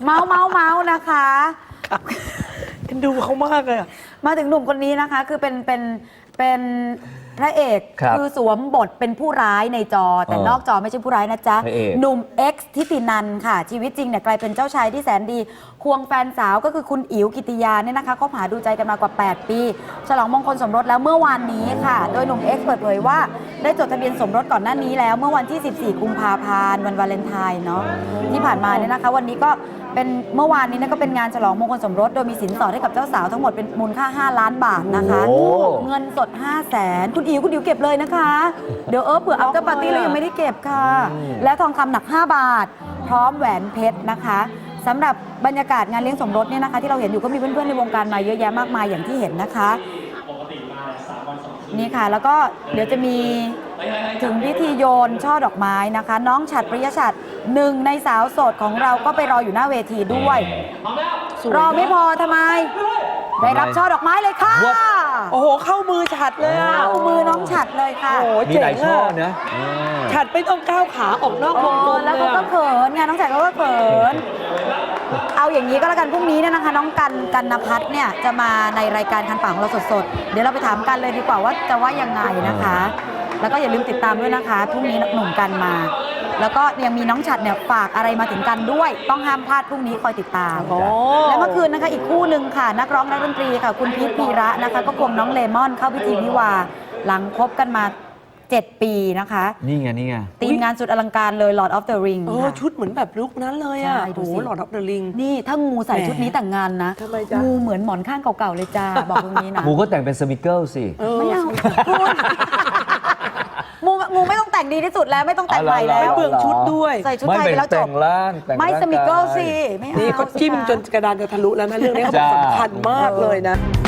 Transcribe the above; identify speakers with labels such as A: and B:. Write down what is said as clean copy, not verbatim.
A: เมานะคะ
B: ดูเขามากเลย
A: มาถึงหนุ่มคนนี้นะคะคือเป็นพระเอกคือสวมบทเป็นผู้ร้ายในจอแต่นอกจอไม่ใช่ผู้ร้ายนะจ๊ะหนุ่ม X ทิตินันค่ะชีวิตจริงเนี่ยกลายเป็นเจ้าชายที่แสนดีควงแฟนสาวก็คือคุณอิ๋วกิติยาเนี่ยนะคะคบหาดูใจกันมากว่า8ปีฉลองมงคลสมรสแล้วเมื่อวานนี้ค่ะโดยหนุ่ม X เปิดเผยว่าได้จดทะเบียนสมรสก่อนหน้านี้แล้วเมื่อวันที่14กุมภาพันธ์วันวาเลนไทน์เนาะที่ผ่านมาเนี่ยนะคะวันนี้ก็เป็นเมื่อวานนี้ก็เป็นงานฉลองมงคลสมรสโดยมีสินสอดให้กับเจ้าสาวทั้งหมดเป็นมูลค่า5 ล้านบาทนะคะเงินสด500,000คุณอิ๋วเก็บเลยนะคะเดี๋ยวเผื่ออัพเตอร์ปาร์ตี้แล้วยังไม่ได้เก็บค่ะแล้วทองคำหนัก5 บาทพร้อมแหวนเพชรนะคะสำหรับบรรยากาศงานเลี้ยงสมรสเนี่ยนะคะที่เราเห็นอยู่ก็มีเพื่อนๆในวงการมาเยอะแยะมากมายอย่างที่เห็นนะคะนี่ค่ะแล้วก็เดี๋ยวจะมีถึงพิธีโยนช่อดอกไม้นะคะน้องฉัตรปริยฉัตรหนึ่งในสาวโสดของเราก็ไปรออยู่หน้าเวทีด้วยรอไม่พอทำไมได้รับช่อดอกไม้เลยค่ะ
B: โอ้โหเข้ามือฉัดเลย
A: เข้ามือน้องฉัตรเลยค่ะ
B: โอ้โหเจ๋งช่อนะฉัดไม่ต้องก้าวขาออกนอกวงกลม
A: แล้วเขาก็เขินไงน้องฉัตรเขาก็เขินเอาอย่างนี้ก็แล้วกันพรุ่งนี้เนี่ยนะคะน้องกันณภัทรเนี่ยจะมาในรายการคันปากของเราสดๆเดี๋ยวเราไปถามกันเลยดีกว่าว่าจะว่ายังไงนะคะแล้วก็อย่าลืมติดตามด้วยนะคะพรุ่งนี้หนุ่มกันมาแล้วก็ยังมีน้องฉัตรเนี่ยฝากอะไรมาถึงกันด้วยต้องห้ามพลาดพรุ่งนี้คอยติดตามและเมื่อคืนนะคะอีกคู่หนึ่งค่ะนักร้องนักดนตรีค่ะคุณพีทพีระนะคะก็ควงน้องเลมอนเข้าพิธีวิวาหลังคบกันมา7 ปีนะคะ
C: นี่ไง
A: ทีมงานสุดอลังการเลย Lord of the Ring
B: ชุดเหมือนแบบลุคนั้นเลยอ่ะโอ้โห Lord of the Ring
A: นี่ถ้างูใส่ชุดนี้แต่งงานนะงูเหมือนหมอนข้างเก่าๆเลยจ้าบอกตรงนี้นะ
C: งูก็แต่งเป็นสมิเกิลสิ
A: ไม่เอาคุณงูไม่ต้องแต่งดีที่สุดแล้วไม่ต้องแต่งใหม่แล้ว
B: เปลืองชุดด้วย
A: ใส่ชุดไทยไปแล้วจบไม่สมิเกิลสิไม่เอา
B: นี่เขาจิ้มจนกระดานจะทะลุแล้วนะเรื่องนี้เขาสำคัญมากเลยนะ